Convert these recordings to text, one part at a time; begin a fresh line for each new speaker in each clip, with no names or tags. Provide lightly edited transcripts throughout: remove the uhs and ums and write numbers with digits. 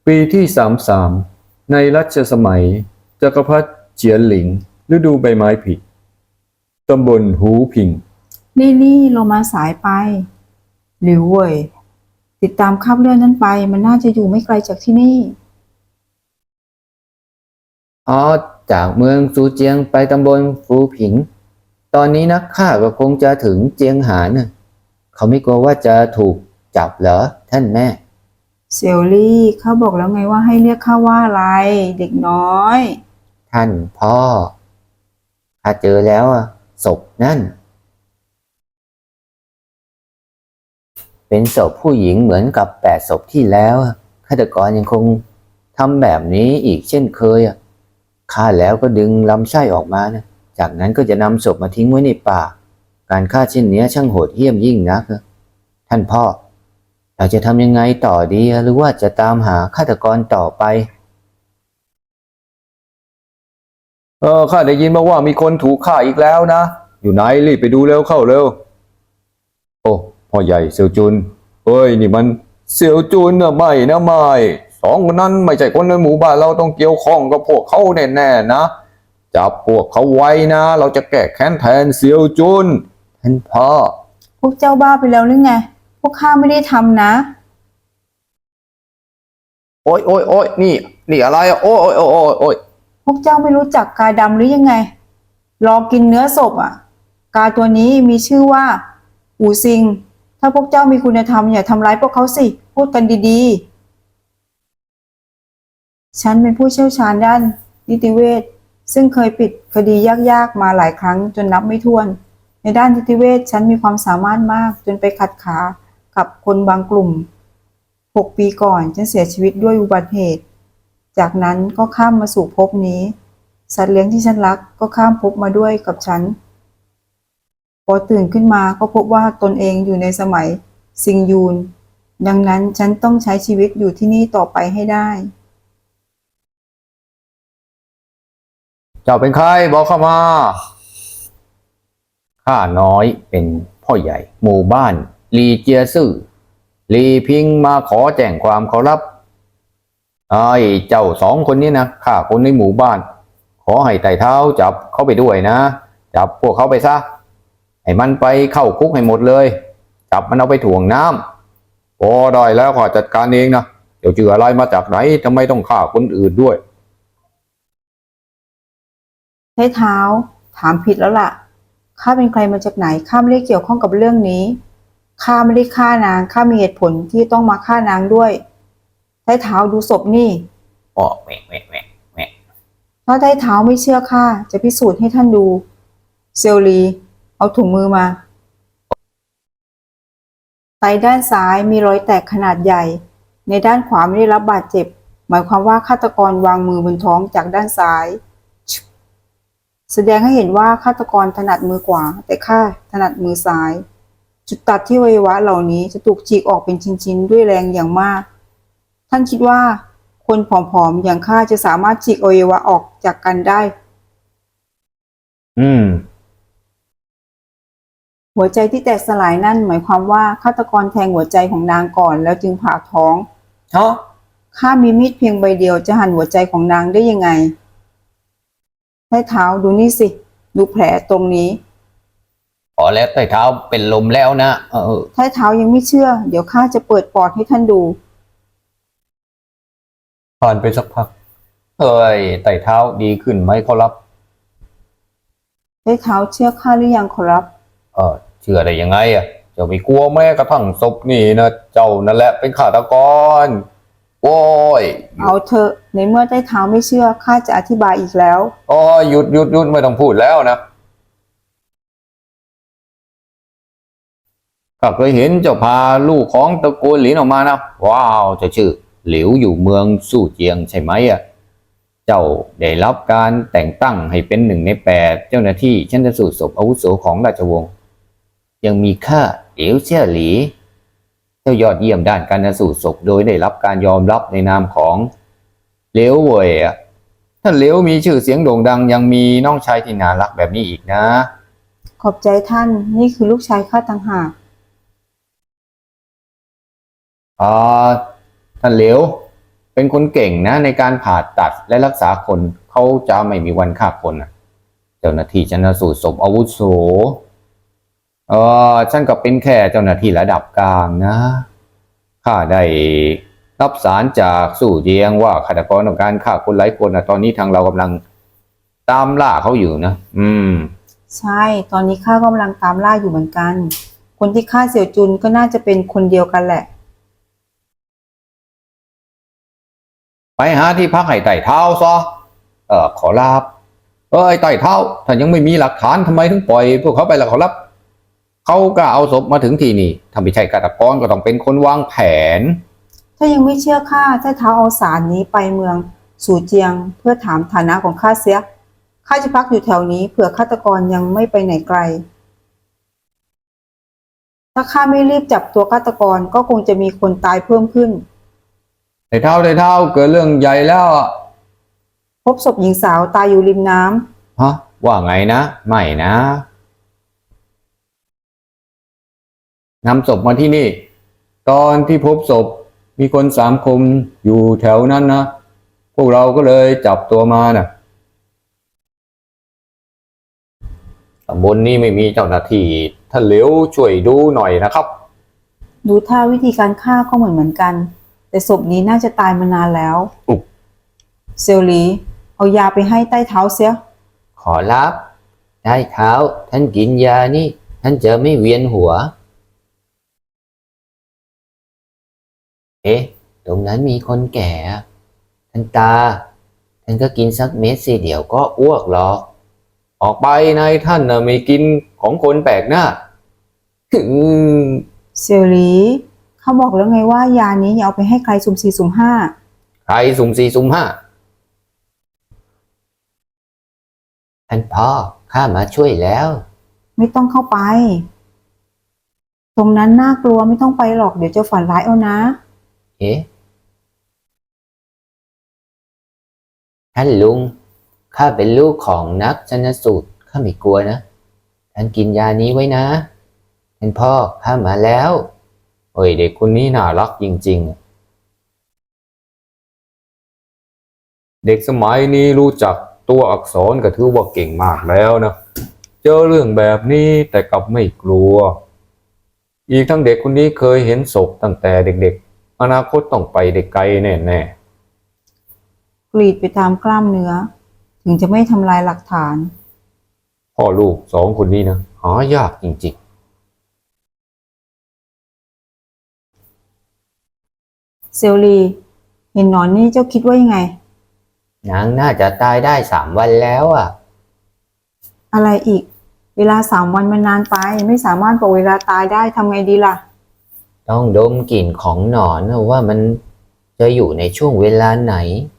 ปีที่33ในรัชสมัยจักรพรรดิเจียนหลิงฤดูใบไม้ผลิตำบลหูผิง
นี่เรามาสายไปหลิวเว่ยติดตามคราบเลือดนั้นไปมันน่าจะอยู่ไม่ไกลจากที่นี่
จากเมืองซูเจียงไปตำบลฟูผิงตอนนี้นักฆ่าก็คงจะถึงเจียงหานเขาไม่กลัวว่าจะถูกจับเหรอท่านแม่
เซียวลี่เขาบอกแล้วไงว่าให้เรียกข้าว่าอะไรเด็กน้อย
ท่านพ่อข้าเจอแล้วศพนั่นเป็นศพผู้หญิงเหมือนกับ8 ศพที่แล้วฆาตกรยังคงทำแบบนี้อีกเช่นเคยฆ่าแล้วก็ดึงลำไส้ออกมานะจากนั้นก็จะนำศพมาทิ้งไว้ในป่าการฆ่าเช่นนี้ช่างโหดเหี้ยมยิ่งนักท่านพ่อเราจะทำยังไงต่อดีหรือว่าจะตามหาฆาตกรต่อไปข้าได้ยินมาว่ามีคนถูกฆ่าอีกแล้วนะอยู่ไหนรีบไปดูเร็วเข้าเร็วโอ้พ่อใหญ่เสี่ยวจุนเฮ้ยนี่มันเสี่ยวจุนไม่สองคนนั้นไม่ใช่คนในหมู่บ้านเราต้องเกี่ยวข้องกับพวกเขาแน่ๆนะจับพวกเขาไว้นะเราจะแก้แค้นแทนเสี่ยวจุนท่านพ่อ
พวกเจ้าบ้าไปแล้วหรือไงพวกข้าไม่ได้ทำนะ
โอ้ยนี่อะไรโอ้ย
พวกเจ้าไม่รู้จักกาดำหรือยังไงรอกินเนื้อศพกาตัวนี้มีชื่อว่าอูซิงถ้าพวกเจ้ามีคุณธรรมอย่าทำร้ายพวกเขาสิพูดกันดีๆฉันเป็นผู้เชี่ยวชาญด้านนิติเวชซึ่งเคยปิดคดียากๆมาหลายครั้งจนนับไม่ถ้วนในด้านนิติเวชฉันมีความสามารถมากจนไปขัดขากับคนบางกลุ่ม6 ปีก่อนฉันเสียชีวิตด้วยอุบัติเหตุจากนั้นก็ข้ามมาสู่ภพนี้สัตว์เลี้ยงที่ฉันรักก็ข้ามภพมาด้วยกับฉันพอตื่นขึ้นมาก็พบว่าตนเองอยู่ในสมัยซิงยูนดังนั้นฉันต้องใช้ชีวิตอยู่ที่นี่ต่อไปให้ได้
เจ้าเป็นใครบอกเข้ามาข้าน้อยเป็นพ่อใหญ่หมู่บ้านลีเจียซื่อลีพิงมาขอแจ้งความเขารับเจ้า2 คนนี้นะข้าคนในหมู่บ้านขอให้ไต่เท้าจับเขาไปด้วยนะจับพวกเขาไปซะให้มันไปเข้าคุกให้หมดเลยจับมันเอาไปถ่วงน้ำพอได้แล้วข้าจัดการเองนะเดี๋ยวเจออะไรมาจากไหนทำไมต้องฆ่าคนอื่นด้วย
ใช้เท้าถามผิดแล้วล่ะข้าเป็นใครมาจากไหนข้าไม่ได้เกี่ยวข้องกับเรื่องนี้ข้าไม่ได้ฆ่านางข้ามีเหตุผลที่ต้องมาฆ่านางด้วยใช้เท้าดูศพนี่
แม่
ถ้าใช้เท้าไม่เชื่อข้าจะพิสูจน์ให้ท่านดูเซลลีเอาถุงมือมาไตด้านซ้ายมีรอยแตกขนาดใหญ่ในด้านขวาไม่ได้รับบาดเจ็บหมายความว่าฆาตกรวางมือบนท้องจากด้านซ้ายแสดงให้เห็นว่าฆาตกรถนัดมือขวาแต่ข้าถนัดมือซ้ายจุดตัดที่อวัยวะเหล่านี้จะถูกฉีกออกเป็นชิ้นๆด้วยแรงอย่างมากท่านคิดว่าคนผอมๆอย่างข้าจะสามารถฉีกอวัยวะออกจากกันได้หัวใจที่แตกสลายนั่นหมายความว่าฆาตกรแทงหัวใจของนางก่อนแล้วจึงผ่าท้องข้ามีมีดเพียงใบเดียวจะหั่นหัวใจของนางได้ยังไงใช้เท้าดูนี่สิดูแผลตรงนี้
พอแล้วใต้เท้าเป็นลมแล้วนะ
ใช้เท้ายังไม่เชื่อเดี๋ยวข้าจะเปิดปอดให้ท่านดู
ผ่านไปสักพักไต่เท้าดีขึ้นไหมขอรับ
ใช้เท้าเชื่อข้าหรือยังขอรับ
เชื่อได้ยังไงเจ้าไม่กลัวแม้กระทั่งศพนี่นะเจ้านั่นแหละเป็นฆาตกรโอ้ย
เอาเถอะในเมื่อใต้เท้าไม่เชื่อข้าจะอธิบายอีกแล้ว
หยุดไม่ต้องพูดแล้วนะข้าเคยเห็นเจ้าพาลูกของตระกูลหลินออกมานะว้าวจะชื่อหลิวอยู่เมืองสู่เจียงใช่ไหมเจ้าได้รับการแต่งตั้งให้เป็น1 ใน 8เจ้าหน้าที่ชันสูตรศพอาวุโสของราชวงศ์ยังมีข้าเหลียวเซี่ยหลีเจ้ายอดเยี่ยมด้านการสูตรศพโดยได้รับการยอมรับในนามของเหลียวเว่ยท่านเหลียวมีชื่อเสียงโด่งดังยังมีน้องชายที่น่ารักแบบนี้อีกนะ
ขอบใจท่านนี่คือลูกชายข้าต่างหาก
ท่านเหลียวไปเป็นคนเก่งนะในการผ่าตัดและรักษาคนเขาจะไม่มีวันฆ่าคนนะเจ้าหน้าที่ชันสูตรศพอาวุโสฉันก็เป็นแค่เจ้าหน้าที่ระดับกลางนะข้าได้รับสารจากสู่เจียงว่าฆาตกรต้องการฆ่าคนหลายคนนะตอนนี้ทางเรากำลังตามล่าเขาอยู่นะ
ใช่ ตอนนี้ข้ากำลังตามล่าอยู่เหมือนกัน คนที่ฆ่าเสี่ยวจุนก็น่าจะเป็นคนเดียวกันแหละ
ไปหาที่พักให้ไต่เท้าซะขอลาบไอ้ไต่เท้าถ้ายังไม่มีหลักฐานทำไมถึงปล่อยพวกเขาไปล่ะขอรับเขาก็เอาศพมาถึงที่นี่ถ้าไม่ใช่ฆาตกรก็ต้องเป็นคนวางแผน
ถ้ายังไม่เชื่อข้าถ้าเท้าเอาสารนี้ไปเมืองสู่เจียงเพื่อถามฐานะของข้าเสียข้าจะพักอยู่แถวนี้เผื่อฆาตกรยังไม่ไปไหนไกล ถ้าข้าไม่รีบจับตัวฆาตกรก็คงจะมีคนตายเพิ่มขึ้น
ไต่เท้าเกิดเรื่องใหญ่แล้ว
พบศพหญิงสาวตายอยู่ริมน้
ำฮะว่าไงนะไม่นะนำศพมาที่นี่ตอนที่พบศพมีคน3 คนอยู่แถวนั้นนะพวกเราก็เลยจับตัวมานะตำบลนี้ไม่มีเจ้าหน้าที่ท่านเหลียวช่วยดูหน่อยนะครับ
ดูท่าวิธีการฆ่าก็เหมือนกันแต่ศพนี้น่าจะตายมานานแล้วเซลลีเอายาไปให้ใต้เท้าเสีย
ขอรับใต้เท้าท่านกินยานี่ท่านจะไม่เวียนหัวตรงนั้นมีคนแก่ท่านตาท่านก็กินสักเม็ดสิเดี๋ยวก็อ้วกหรอกออกไปนายท่านนะไม่กินของคนแปลกหน้า
เซลลีเขาบอกแล้วไงว่ายานี้อย่าเอาไปให้ใครสุ่ม4สุ่ม5
ใครสุ่ม4สุ่ม5ท่านพ่อข้ามาช่วยแล้ว
ไม่ต้องเข้าไปตรงนั้นน่ากลัวไม่ต้องไปหรอกเดี๋ยวจะฝันร้ายเอานะ
ท่านลุงข้าเป็นลูกของนักชันสูตรข้าไม่กลัวนะท่านกินยานี้ไว้นะท่านพ่อข้ามาแล้วเด็กคนนี้น่ารักจริงๆเด็กสมัยนี้รู้จักตัวอักษรก็ถือว่าเก่งมากแล้วนะเจอเรื่องแบบนี้แต่กลับไม่กลัวอีกทั้งเด็กคนนี้เคยเห็นศพตั้งแต่เด็กๆอนาคตต้องไปได้ไกลแน่
ๆกรีดไปตามกล้ามเนื้อถึงจะไม่ทำลายหลักฐาน
พ่อลูก2 คนนี้นะหายากจริงๆ
เซลลีเห็นหนอนนี่เจ้าคิดว่ายังไง
นางน่าจะตายได้3 วันแล้ว
อะไรอีกเวลา3 วันมันนานไปไม่สามารถบอกเวลาตายได้ทำไงดีล่ะ
ต้องดมกลิ่นของหนอนว่ามันจะอยู่ในช่วงเวลาไหน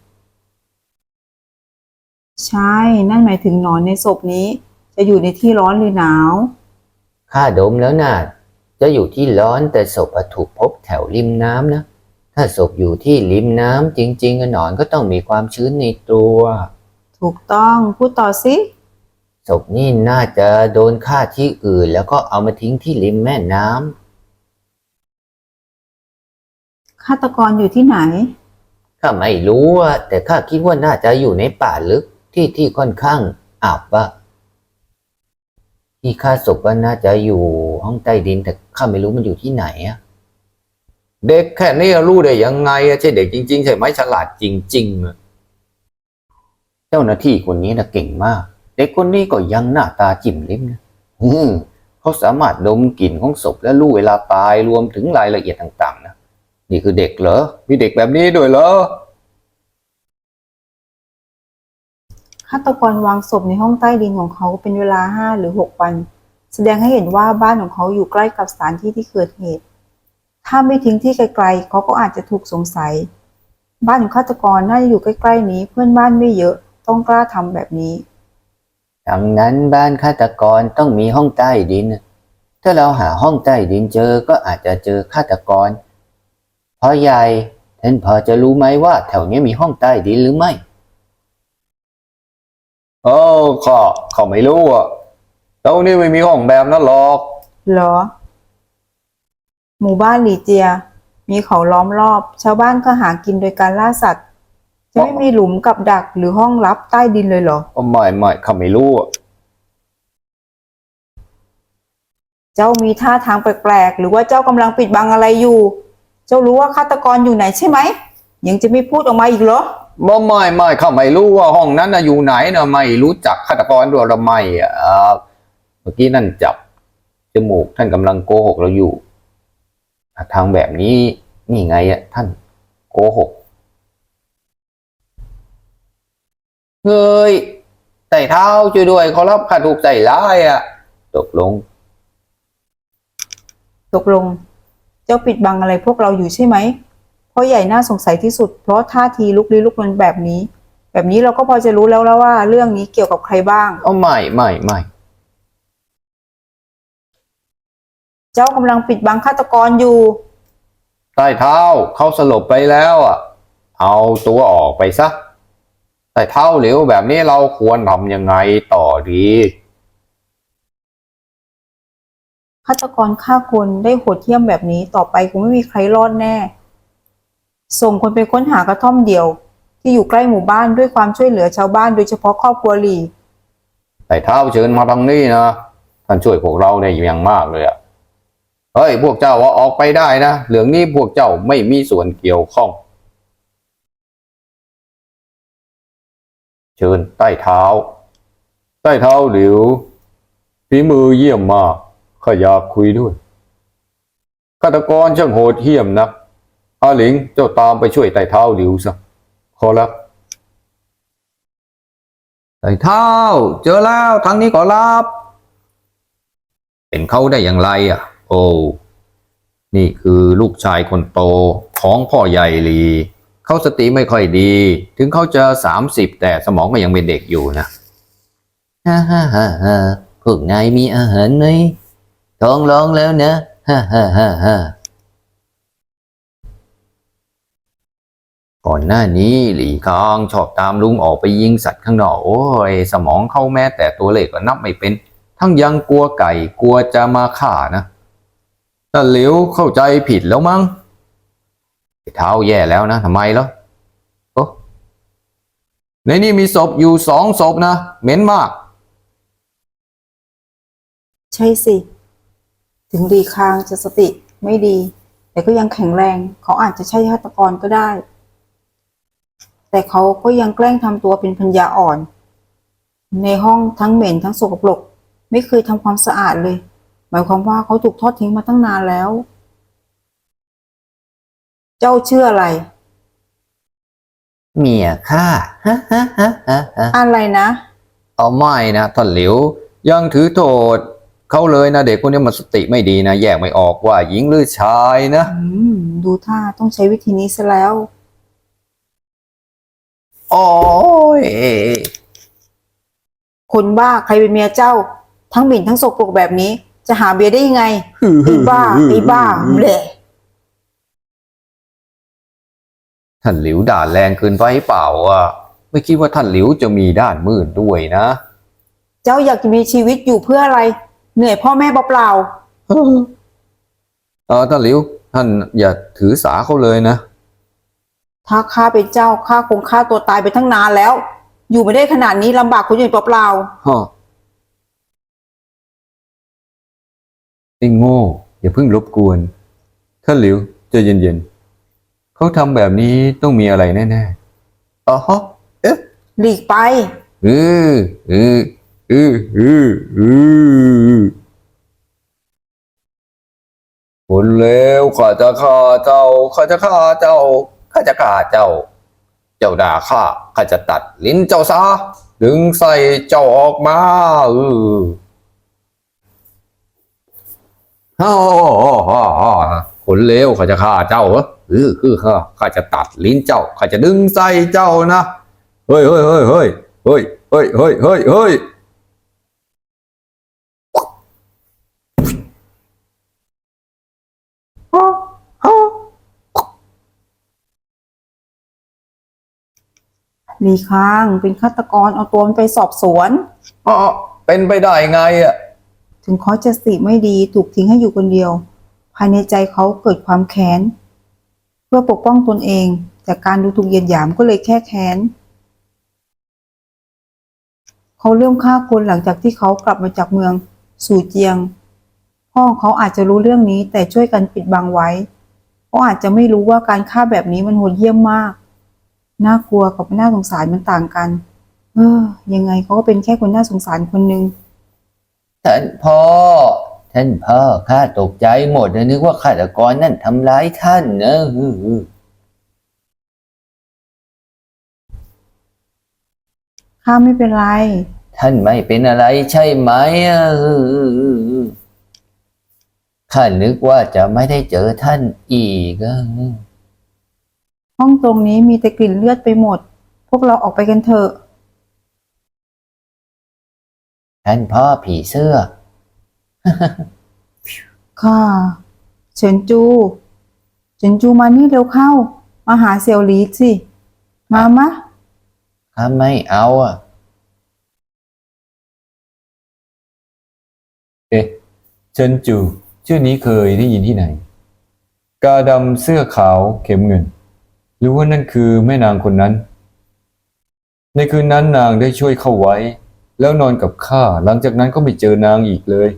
ใช่นั่นหมายถึงหนอนในศพนี้จะอยู่ในที่ร้อนหรือหนาว
ข้าดมแล้วน่ะจะอยู่ที่ร้อนแต่ศพถูกพบแถวริมน้ำนะถ้าศพอยู่ที่ริมน้ำจริงๆหนอนก็ต้องมีความชื้นในตัว
ถูกต้องพูดต่อสิ
ศพนี่น่าจะโดนฆ่าที่อื่นแล้วก็เอามาทิ้งที่ริมแม่น้
ำฆาตกรอยู่ที่ไหน
ข้าไม่รู้แต่ข้าคิดว่าน่าจะอยู่ในป่าลึกที่ค่อนข้างอับที่ฆ่าศพว่าน่าจะอยู่ห้องใต้ดินแต่ข้าไม่รู้มันอยู่ที่ไหนเด็กแค่นี้รู้ได้ยังไงใช่เด็กจริงๆใช่ไหมฉลาดจริงๆเจ้าหน้าที่คนนี้นะเก่งมากเด็กคนนี้ก็ยังหน้าตาจิ้มลิ้มนะเขาสามารถดมกลิ่นของศพและรู้เวลาตายรวมถึงรายละเอียดต่างๆนะนี่คือเด็กเหรอมีเด็กแบบนี้ด้วยเหรอ
ฆาตกรวางศพในห้องใต้ดินของเขาเป็นเวลา5 หรือ 6 วันแสดงให้เห็นว่าบ้านของเขาอยู่ใกล้กับสถานที่ที่เกิดเหตุถ้าไม่ทิ้งที่ไกลๆเขาก็อาจจะถูกสงสัยบ้านของฆาตกรน่าจะอยู่ใกล้ๆนี้เพื่อนบ้านไม่เยอะต้องกล้าทำแบบนี้
ดังนั้นบ้านฆาตกรต้องมีห้องใต้ดินถ้าเราหาห้องใต้ดินเจอก็อาจจะเจอฆาตกรพ่อใหญ่ท่านพอจะรู้ไหมว่าแถวนี้มีห้องใต้ดินหรือไม่ข้าไม่รู้ตรงนี้ไม่มีห้องแบบนั้นหรอก
เหรอหมู่บ้านหลี่เจียมีเขาล้อมรอบ ชาวบ้านก็หากินโดยการล่าสัตว์ จะไม่มีหลุมกับดักหรือห้องลับใต้ดินเลยเหรอ
ไม่ข้าไม่รู้อะ
เจ้ามีท่าทางแปลกๆ หรือว่าเจ้ากำลังปิดบังอะไรอยู่ เจ้ารู้ว่าฆาตกรอยู่ไหนใช่ไหม ยังจะไม่พูดออกมาอีกเหรอ
ไม่ข้าไม่รู้ว่าห้องนั้นนะอยู่ไหนนะไม่รู้จักฆาตกรด้วยหรือไม่อะเมื่อกี้นั่นจับจมูกท่านกำลังโกหกเราอยู่ทางแบบนี้นี่ไงอะท่านโกหกเฮ้ยไต่เท้าช่วยด้วยขอรับข้าถูกใส่ร้ายอะตกลง
ตกลง เจ้าปิดบังอะไรพวกเราอยู่ใช่ไหมพ่อใหญ่น่าสงสัยที่สุดเพราะท่าทีลุกลี้ลุกลนแบบนี้ เราก็พอจะรู้แล้วว่าเรื่องนี้เกี่ยวกับใครบ้าง
ไม่
เจ้ากำลังปิดบังฆาตกรอยู่
ใต้เท้าเขาสลบไปแล้วอ่ะเอาตัวออกไปซะใต้เท้าเหลวแบบนี้เราควรทำยังไงต่อดี
ฆาตกรฆ่าคนได้โหดเหี้ยมแบบนี้ต่อไปคงไม่มีใครรอดแน่ ส่งคนไปค้นหากระท่อมเดี่ยว ที่อยู่ใกล้หมู่บ้านด้วยความช่วยเหลือชาวบ้านโดยเฉพาะครอบครัวหลี
ใต้เท้าเชิญมาทางนี้นะท่านช่วยพวกเราได้อย่างมากเลยอ่ะเฮ้ยพวกเจ้าว่าออกไปได้นะเรื่องนี้พวกเจ้าไม่มีส่วนเกี่ยวข้องเชิญใต้เท้าหลิวฝีมือเยี่ยมมากข้าอยากคุยด้วยฆาตกรช่างโหดเหี้ยมนักอาหลิงเจ้าตามไปช่วยใต้เท้าหลิวซะขอรับใต้เท้าเจอแล้วทางนี้ขอรับเป็นเขาได้อย่างไรอ่ะโอ้นี่คือลูกชายคนโตของพ่อใหญ่หลีเขาสติไม่ค่อยดีถึงเขาจะ30แต่สมองก็ยังเป็นเด็กอยู่นะฮ่าพวกนายมีอาหารไหมท้องร้องแล้วนะฮ่าก่อนหน้านี้หลี่คางชอบตามลุงออกไปยิงสัตว์ข้างนอกโอ้ยสมองเขาแม้แต่ตัวเลขก็นับไม่เป็นทั้งยังกลัวไก่กลัวจะมาฆ่านะแต่หลิวเข้าใจผิดแล้วมั้งเท้าแย่แล้วนะทำไมล่ะโอ้ในนี้มีศพอยู่2 ศพนะเหม็นมาก
ใช่สิ ถึงดีคางจะสติไม่ดี แต่ก็ยังแข็งแรง เขาอาจจะใช่ฆาตกรก็ได้ แต่เขาก็ยังแกล้งทำตัวเป็นปัญญาอ่อน ในห้องทั้งเหม็นทั้งสกปรกไม่เคยทำความสะอาดเลย หมายความว่าเขาถูกทอดทิ้งมาตั้งนานแล้ว เจ้าเชื่ออะไร
เมียข้า
อะไรนะ
เอาไม่นะท่านหลิวยังถือโทษเขาเลยนะเด็กคนนี้มันสติไม่ดีนะแยกไม่ออกว่าหญิงหรือชายนะ
ดูท่าต้องใช้วิธีนี้ซะแล้ว
โอ้ย
คนบ้าใครเป็นเมียเจ้า ทั้งหมิ่นทั้งสกปรกแบบนี้ จะหาเบียร์ได้ยังไงไอ้บ้าเบละ
ท่านหลิวด่าแรงเกินไปเปล่าอ่ะไม่คิดว่าท่านหลิวจะมีด้านมืดด้วยนะ
เจ้าอยากจะมีชีวิตอยู่เพื่ออะไร เหนื่อยพ่อแม่เปล่า
ท่านหลิวท่านอย่าถือสาเขาเลยนะ
ถ้าข้าเป็นเจ้าข้าคงฆ่าตัวตายไปทั้งนานแล้ว อยู่ไม่ได้ขนาดนี้ลำบากคนอื่นเปล่า
ไอ้โง่อย่าเพิ่งรบกวนท่านหลิวใจเย็นๆเขาทำแบบนี้ต้องมีอะไรแน่ๆอ๋อเอ๊ะ
หลีกไป
เออคนเลวข้าจะฆ่าเจ้าข้าจะฆ่าเจ้าข้าจะฆ่าเจ้าเจ้าด่าข้าข้าจะตัดลิ้นเจ้าซะดึงใส่เจ้าออกมาคนเลวข้าจะฆ่าเจ้าเหรอข้าจะตัดลิ้นเจ้าข้าจะดึงใส่เจ้านะเฮ้ย
หลีค้างเป็นฆาตกรเอาตัวมันไปสอบสวน
เป็นไปได้ไงอ่ะ
ถึงเขาจะสติไม่ดีถูกทิ้งให้อยู่คนเดียวภายในใจเขาเกิดความแค้นเพื่อปกป้องตนเองจากการดูถูกเหยียดหยามก็เลยแค่แค้นเขาเริ่มฆ่าคนหลังจากที่เขากลับมาจากเมืองสู่เจียงพ่อของเขาอาจจะรู้เรื่องนี้แต่ช่วยกันปิดบังไว้เขาอาจจะไม่รู้ว่าการฆ่าแบบนี้มันโหดเยี่ยมมากน่ากลัวกับน่าสงสารมันต่างกันยังไงเขาก็เป็นแค่คนน่าสงสารคนหนึ่ง
ท่านพ่อข้าตกใจหมดเลยนึกว่าฆาตกรนั่นทำร้ายท่านนะ
ข้าไม่เป็นไร
ท่านไม่เป็นอะไรใช่ไหมข้านึกว่าจะไม่ได้เจอท่านอีก
ห้องตรงนี้มีแต่กลิ่นเลือดไปหมดพวกเราออกไปกันเถอะ
ท่านพ่อผีเสื้อ
ค่ะเฉินจูมานี่เร็วเข้ามาหาเสี่ยวหลีสิมะ
ข้าไม่เอาเฉินจูชื่อนี้เคยได้ยินที่ไหนกาดำเสื้อขาวเข็มเงินหรือว่านั่นคือแม่นางคนนั้นในคืนนั้นนางได้ช่วยเข้าไว้แล้วนอนกับข้าหลังจากนั้นก็ไม่เจอนางอีกเลย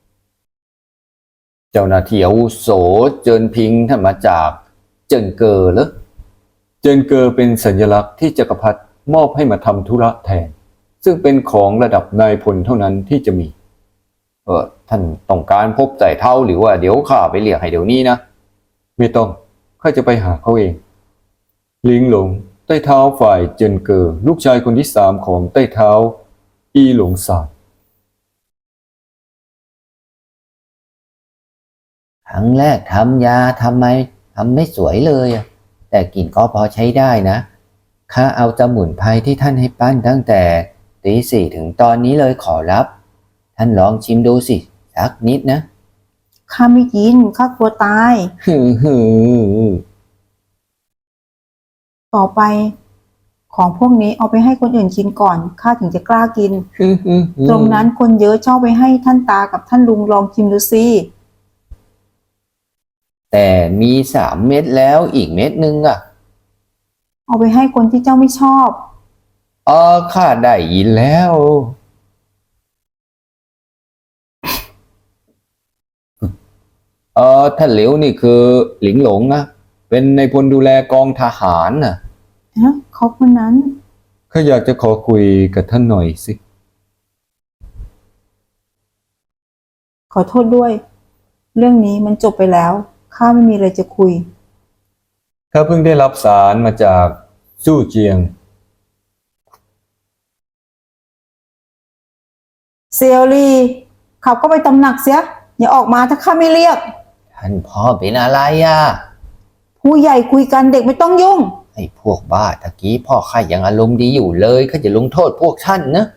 เจ้าหน้าที่อาวุโสเจินพิงท่านมาจากเจินเกอเหรอเจินเกอเป็นสัญลักษณ์ที่จักรพรรดิมอบให้มาทำธุระแทนซึ่งเป็นของระดับนายพลเท่านั้นที่จะมีท่านต้องการพบไต่เท้าหรือว่าเดี๋ยวข้าไปเรียกให้เดี๋ยวนี้นะไม่ต้องข้าจะไปหาเขาเองลิงหลงใต้เท้าฝ่ายเจินเกอลูกชายคนที่3ของใต้เท้าอีหลงซานครั้งแรกทำยาทำไม่สวยเลยแต่กลิ่นก็พอใช้ได้นะข้าเอาสมุนไพรที่ท่านให้ปั้นตั้งแต่ตี 4ถึงตอนนี้เลยขอรับท่านลองชิมดูสิสักนิดนะ
ข้าไม่กินข้ากลัวตายต่อไปของพวกนี้เอาไปให้คนอื่นกินก่อนข้าถึงจะกล้ากินตรงนั้นคนเยอะชอบไปให้ท่านตากับท่านลุงลองชิมดูสิ
แต่มี3 เม็ดแล้วอีกเม็ดนึง
เอาไปให้คนที่เจ้าไม่ชอบ
ข้าได้ยินแล้วท่านเหลียวนี่คือหลิงหลงนะเป็นนายพลดูแลกองทหาร
เขาคนนั้น
ข้าอยากจะขอคุยกับท่านหน่อยสิ
ขอโทษด้วยเรื่องนี้มันจบไปแล้วข้าไม่มีอะไรจะคุย
ข้าเพิ่งได้รับสารมาจากจู่เจียง
เซียวลีขับก็ไปตำหนักเสียอย่าออกมาถ้าข้าไม่เรียก
ท่านพ่อเป็นอะไร
ผู้ใหญ่คุยกันเด็กไม่ต้องยุ่ง
ไอ้พวกบ้าตะกี้พ่อข้ายังอารมณ์ดีอยู่เลยข้าจะลงโทษพวกท่านนะ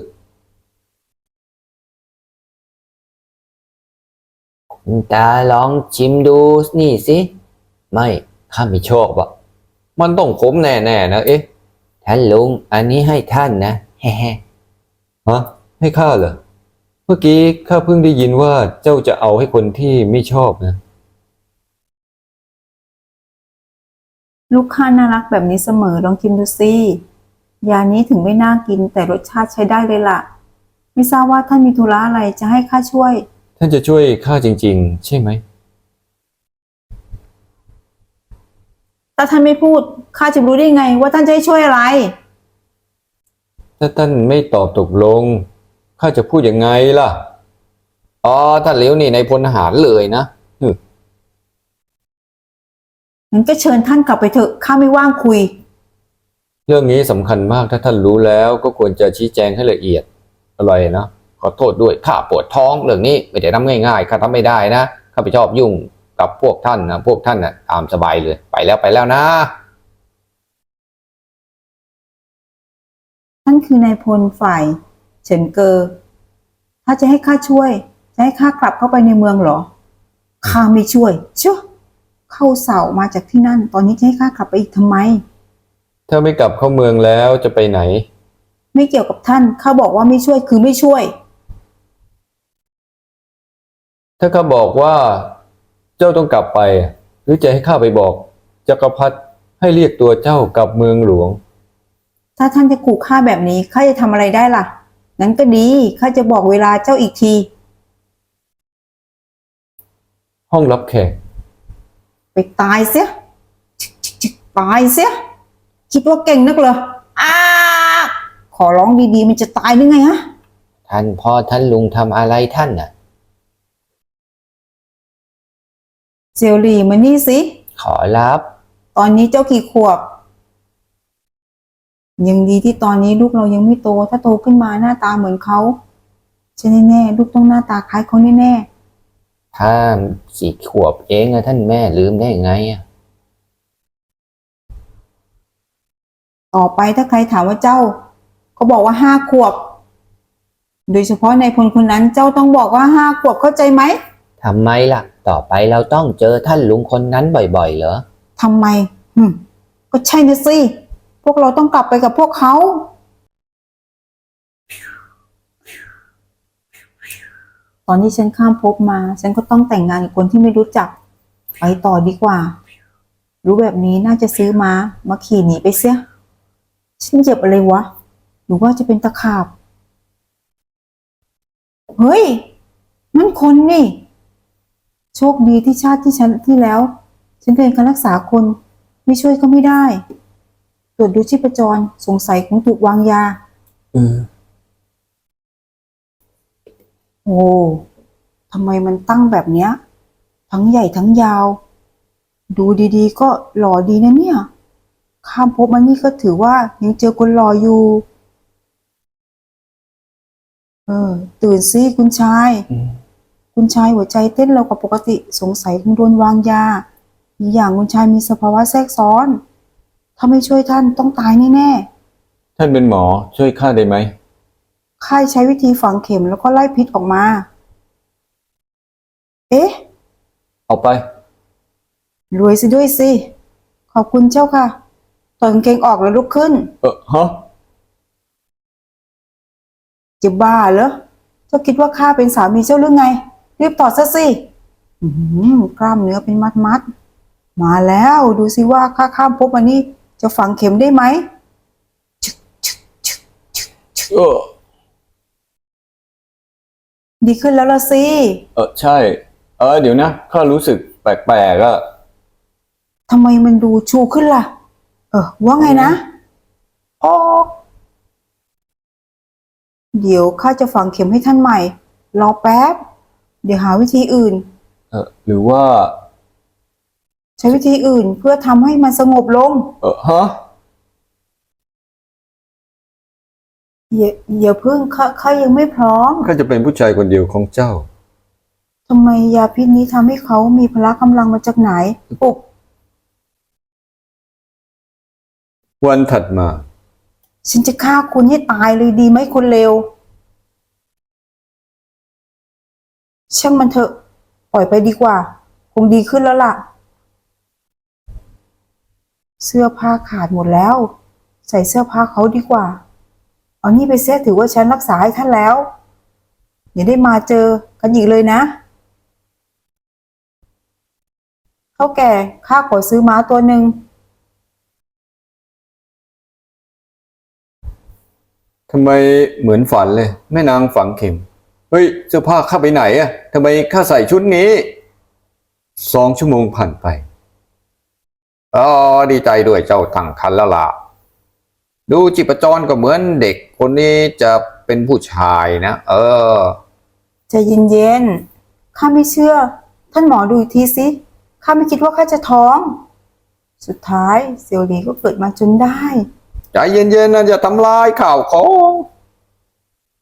คุณตาลองชิมดูนี่สิไม่ข้าไม่ชอบมันต้องขมแน่ๆนะท่านลุงอันนี้ให้ท่านนะแฮ่ฮะให้ข้าเหรอเมื่อกี้ข้าเพิ่งได้ยินว่าเจ้าจะเอาให้คนที่ไม่ชอบนะ
ลูกค้าน่ารักแบบนี้เสมอลองชิมดูสิยานี้ถึงไม่น่ากินแต่รสชาติใช้ได้เลยล่ะไม่ทราบว่าท่านมีธุระอะไรจะให้ข้าช่วย
ท่านจะช่วยข้าจริงๆใช่ไหม
ถ้าท่านไม่พูดข้าจะรู้ได้ไงว่าท่านจะให้ช่วยอะไร
ถ้าท่านไม่ตอบตกลงข้าจะพูดยังไงล่ะท่านเหลียวนี่ในพลทหารเลยนะ
งั้นก็เชิญท่านกลับไปเถอะข้าไม่ว่างคุย
เรื่องนี้สำคัญมากถ้าท่านรู้แล้วก็ควรจะชี้แจงให้ละเอียดอะไรนะขอโทษด้วยข้าปวดท้องเรื่องนี้ไม่ได้ทำง่ายๆข้าทำไม่ได้นะข้าไม่ชอบยุ่งกับพวกท่านนะพวกท่านตามสบายเลยไปแล้วนะ
ท่านคือนายพลฝ่ายเฉินเกอถ้าจะให้ข้าช่วยจะให้ข้ากลับเข้าไปในเมืองเหรอข้าไม่ช่วยเชื่อเข้าเสามาจากที่นั่นตอนนี้จะให้ข้ากลับไปอีกทำไม
ถ้าไม่กลับเข้าเมืองแล้วจะไปไหน
ไม่เกี่ยวกับท่านข้าบอกว่าไม่ช่วยคือไม่ช่วย
ถ้าข้าบอกว่าเจ้าต้องกลับไปหรือจะให้ข้าไปบอก
จักรพรรดิให้เรียกตัวเจ้ากลับเมืองหลวง
ถ้าท่านจะขู่ข้าแบบนี้ข้าจะทำอะไรได้ล่ะนั้นก็ดีข้าจะบอกเวลาเจ้าอีกที
ห้องรับแขก
ไปตายเสียชิกตายเสียคิดว่าเก่งนักเหรออ้าขอร้องดีๆมันจะตายหรือไงฮะ
ท่านพ่อท่านลุงทำอะไรท่านน่ะ
เซลลี่มานี่สิ
ขอรับ
ตอนนี้เจ้ากี่ขวบยังดีที่ตอนนี้ลูกเรายังไม่โตถ้าโตขึ้นมาหน้าตาเหมือนเขาใช่แน่ๆลูกต้องหน้าตาคล้ายเขาแน่
ถ้าสี่ขวบเองอะท่านแม่ลืมได้ไงอะ
ๆต่อไปถ้าใครถามว่าเจ้าก็บอกว่า5 ขวบ โดยเฉพาะในพลคนนั้นเจ้าต้องบอกว่า5 ขวบเข้าใจไหม
ทำไมล่ะ ต่อไปเราต้องเจอท่านลุงคนนั้นบ่อยๆเหรอ
ทำไมก็ใช่นะสิพวกเราต้องกลับไปกับพวกเขาตอนที่ฉันข้ามภพมาฉันก็ต้องแต่งงานกับคนที่ไม่รู้จักไปต่อดีกว่า รู้แบบนี้น่าจะซื้อม้ามาขี่หนีไปเสียฉันเหยียบอะไรวะหรือว่าจะเป็นตะขาบเฮ้ยนั่นคนนี่โชคดีที่ชาติที่แล้วฉันเรียนการรักษาคนไม่ช่วยก็ไม่ได้ตรวจดูชีพจรสงสัยคงถูกวางยาโอ้ทำไมมันตั้งแบบเนี้ยทั้งใหญ่ทั้งยาวดูดีๆก็หล่อดีนะเนี่ยข้ามภพมานี่ก็ถือว่ายังเจอคนหล่ออยู่ตื่นสิคุณชายคุณชายหัวใจเต้นเร็วกว่าปกติสงสัยคงโดนวางยาอีกอย่างคุณชายมีสภาวะแทรกซ้อนถ้าไม่ช่วยท่านต้องตายแน่ๆ
ท่านเป็นหมอช่วยข้าได้ไหม
ค่ายใช้วิธีฝังเข็มแล้วก็ไล่พิษออกมา เอ๊ะ
เอาไป
รวยสิด้วยสิ ขอบคุณเจ้าค่ะถอดกางเกงออกแล้วลุกขึ้น
ฮะ
จะบ้าเหรอ เจ้าคิดว่าข้าเป็นสามีเจ้าหรือไง รีบถอดซะสิกล้ามเนื้อเป็นมัดๆ มาแล้วดูสิว่าข้าข้ามภพมานี่จะฝังเข็มได้ไหม ดีขึ้นแล้วละสิ
ใช่ เดี๋ยวนะข้ารู้สึกแปลกๆอะ
ทำไมมันดูชูขึ้นล่ะ ว่าไงนะอ๋อเดี๋ยวข้าจะฝังเข็มให้ท่านใหม่ รอแป๊บ เดี๋ยวหาวิธีอื่น
หรือว่า
ใช้วิธีอื่นเพื่อทำให้มันสงบลง
ฮะ
อย่าเพิ่งข้ายังไม่พร้อม
ข้าจะเป็นผู้ชายคนเดียวของเจ้า
ทำไมยาพิษนี้ทำให้เขามีพละกำลังมาจากไหนปุ๊บ
วันถัดมา
ฉันจะฆ่าคุณให้ตายเลยดีไหมคนเลวช่างมันเถอะ ปล่อยไปดีกว่า คงดีขึ้นแล้วล่ะ เสื้อผ้าขาดหมดแล้ว ใส่เสื้อผ้าเขาดีกว่า เอานี่ไปเสียถือว่าฉันรักษาให้ท่านแล้วอย่าได้มาเจอกันอีกเลยนะเฒ่าแก่ข้าขอซื้อม้าตัวหนึ่ง
ทำไมเหมือนฝันเลยแม่นางฝังเข็ม เฮ้ยเสื้อผ้าข้าไปไหนอะทำไมข้าใส่ชุดนี้2 ชั่วโมงผ่านไป
ดีใจด้วยเจ้าตั้งครรภ์แล้วล่ะ ดูจิปจรก็เหมือนเด็กคนนี้จะเป็นผู้ชายนะ
ใจเย็นๆข้าไม่เชื่อ ท่านหมอดูอีกทีสิข้าไม่คิดว่าข้าจะท้อง สุดท้ายเซียวหลีก็เกิดมาจนได้
ใจเย็นๆนะอย่าทำลายข่าวของ